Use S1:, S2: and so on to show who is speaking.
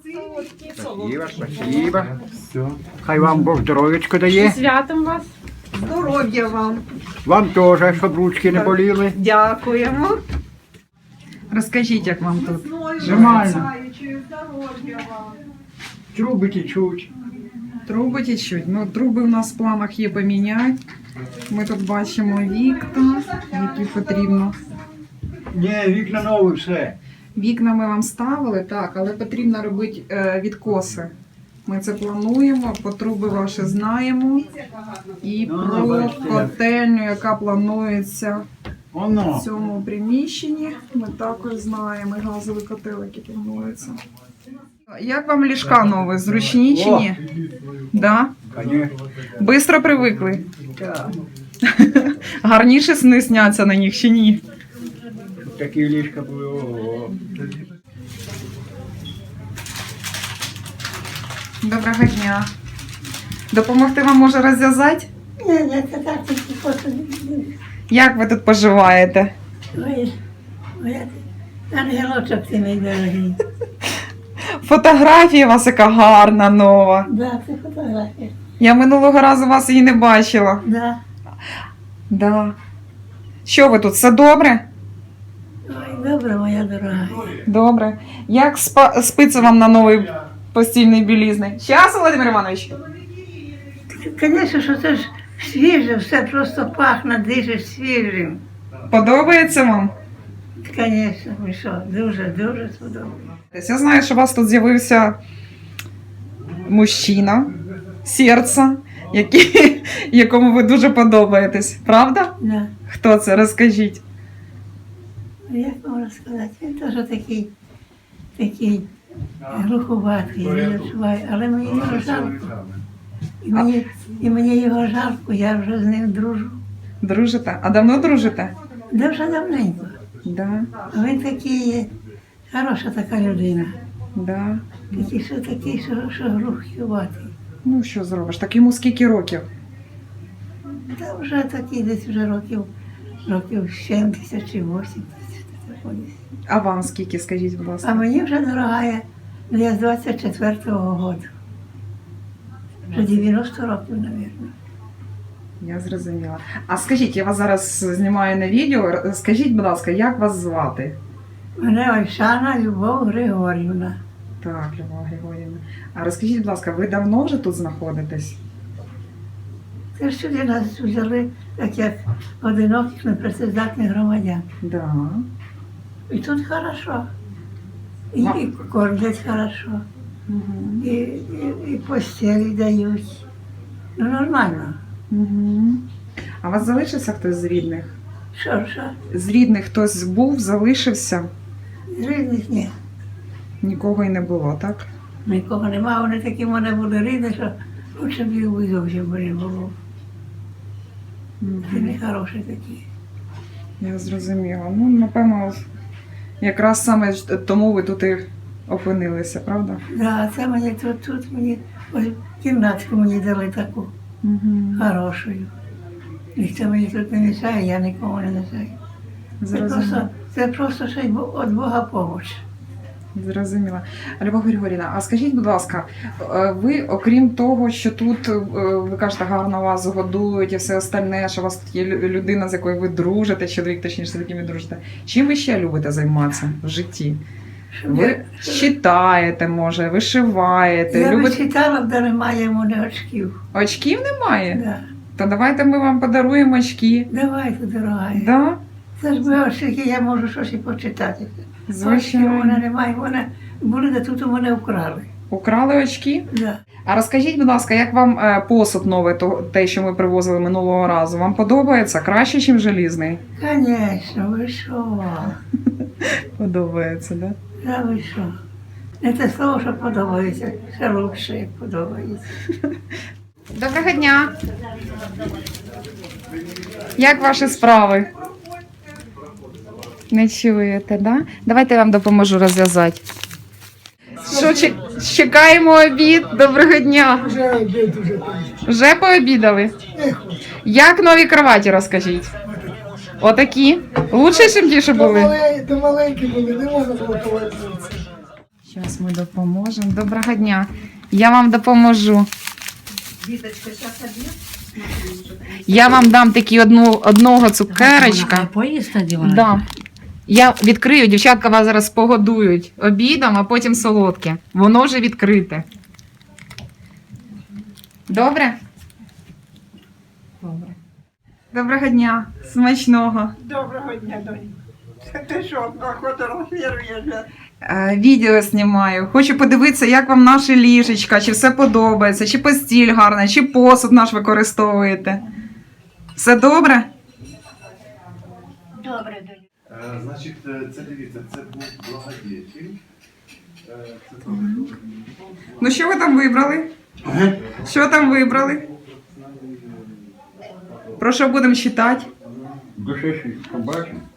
S1: Спасибо, спасибо. Все. Хай вам Бог здоров'ячко дає.
S2: Святом вас.
S3: Здоров'я вам.
S1: Вам теж, щоб ручки не боліли.
S3: Дякуємо.
S2: Розкажіть, як вам тут?
S1: Нормально.
S3: Здоров'я вам.
S1: Труби течуть.
S2: Труби течуть. Ну, труби у нас в планах є поміняти. Ми тут бачимо вікна, які потрібно.
S1: Ні, вікна нові, все.
S2: Вікна ми вам ставили, так, але потрібно робити відкоси. Ми це плануємо, по труби ваші знаємо. І про котельню, яка планується в
S1: Воно.
S2: цьому приміщенні, ми також знаємо, і газовий котел, який планується. Як вам ліжка нові? Зручні чи ні? Да?
S1: Конечно.
S2: Бистро привикли?
S1: Так.
S2: Гарніше сни сняться на них чи ні?
S1: Такі ліжка були. Ого.
S2: Доброго дня. Допомогти вам може розв'язати?
S4: Ні, це так тільки просто.
S2: Як ви тут поживаєте?
S4: Ой, ангелочок ти мій дорогий.
S2: Фотографія у вас яка гарна, нова.
S4: Да, це фотографія.
S2: Я минулого разу вас її не бачила.
S4: Да.
S2: Да. Що ви тут, все добре?
S4: Ой, добре, моя дорога.
S2: Добре. Як спиться вам на новий постільний білізний? Щас, Володимир Іванович?
S4: Звісно, що це ж свіже, все просто пахне, дише свіжим.
S2: Подобається вам?
S4: Звісно, ви що, дуже сподобалося.
S2: Я знаю, що у вас тут з'явився мужчина, серце, якому ви дуже подобаєтесь. Правда?
S4: Да.
S2: Хто це? Розкажіть.
S4: Ну, як можна сказати, він теж такий глуховатий, я відчуваю, але мені його жалко. І мені його жалко, я вже з ним дружу.
S2: Дружите? А давно дружите?
S4: Да вже давненько.
S2: Да,
S4: А він такий, хороша така людина.
S2: да.
S4: Такий, що глуховатий.
S2: Ну, що зробиш? Так йому скільки років?
S4: Та вже такий десь вже років 70 чи 80.
S2: А вам скільки, скажіть, будь
S4: А
S2: ласка?
S4: мені вже дорогая, я з 24-го року. Вже 90 років, мабуть.
S2: Я зрозуміла. А скажіть, я вас зараз знімаю на відео. Скажіть, будь ласка, як вас звати?
S4: Мене Ольшана Любов Григорівна.
S2: Так, Любов Григорівна. А розкажіть, будь ласка, ви давно вже тут знаходитесь?
S4: Це ж сюди нас взяли, так як одиноких непрацездатних громадян.
S2: Да.
S4: І тут хорошо. І кормлять хорошо.
S2: Угу.
S4: І постелі дають. Ну, нормально.
S2: Угу. А у вас залишився хтось з рідних?
S4: Що?
S2: З рідних хтось був, залишився?
S4: З рідних ні.
S2: Нікого й не було, так?
S4: Нікого нема, вони такі в мене були рідні, що лучше б їх би зовсім не було. Це не хороші такі.
S2: Я зрозуміла. Ну, напевно, якраз саме тому ви тут і опинилися, правда?
S4: Да, це мені тут мені ось кімнатку мені дали таку
S2: Угу.
S4: хорошу. Ніхто мені тут не мішає, я нікому не мішаю.
S2: Зрозуміла.
S4: Це просто ще й від Бога помочь.
S2: Зрозуміла. Любов Григорівна, а скажіть, будь ласка, ви, окрім того, що тут, ви кажете, гарно вас годують і все остальне, що у вас тут є людина, з якою ви дружите, чоловік, точніше, з яким ви дружите, чим ви ще любите займатися в житті? Ви читаєте, може, вишиваєте,
S4: Я би
S2: любите...
S4: читала, де немає йому не очків.
S2: Очків немає?
S4: Да.
S2: То давайте ми вам подаруємо очки.
S4: Давайте, дорога.
S2: Да?
S4: Це ж ми очки, я можу щось і почитати.
S2: Звичайно.
S4: Очки у мене немає, вони були, де тут у мене вкрали.
S2: Украли очки?
S4: Да.
S2: А розкажіть, будь ласка, як вам посуд новий, те, що ми привозили минулого разу? Вам подобається? Краще, ніж желізний?
S4: Звісно, ви що?
S2: Подобається, так?
S4: Да ви що? Не те слово, що подобається, ще лучше, як подобається.
S2: Доброго дня! Як ваші справи? Не чуєте, да? Давайте я вам допоможу розв'язати. Що, чекаємо обід? Доброго дня!
S5: Вже обід уже
S2: Вже пообідали?
S5: не хочу.
S2: Як нові кроваті, розкажіть? Отакі? Лучше, ніж ті, що були?
S5: То маленькі були, не можна було повернутися.
S2: Зараз ми допоможемо. Доброго дня. Я вам допоможу.
S3: Віточка, зараз обід.
S2: Я вам дам такі одного цукерочка.
S4: Поїсть тоді вона?
S2: Да. Я відкрию, дівчатка вас зараз погодують обідом, а потім солодке. Воно вже відкрите. Добре? Добре. Доброго дня. Смачного.
S3: Доброго дня, донь. Ти що, фотографіруєш?
S2: Відео знімаю. Хочу подивитися, як вам наше ліжечка, чи все подобається, чи постіль гарна, чи посуд наш використовуєте. Все добре?
S4: Добре, доню.
S5: Значить, це дивіться, це був благодетель. Це
S2: Ну що ви там вибрали? Що там вибрали? Про що будемо читати?
S1: Душевший побачимо.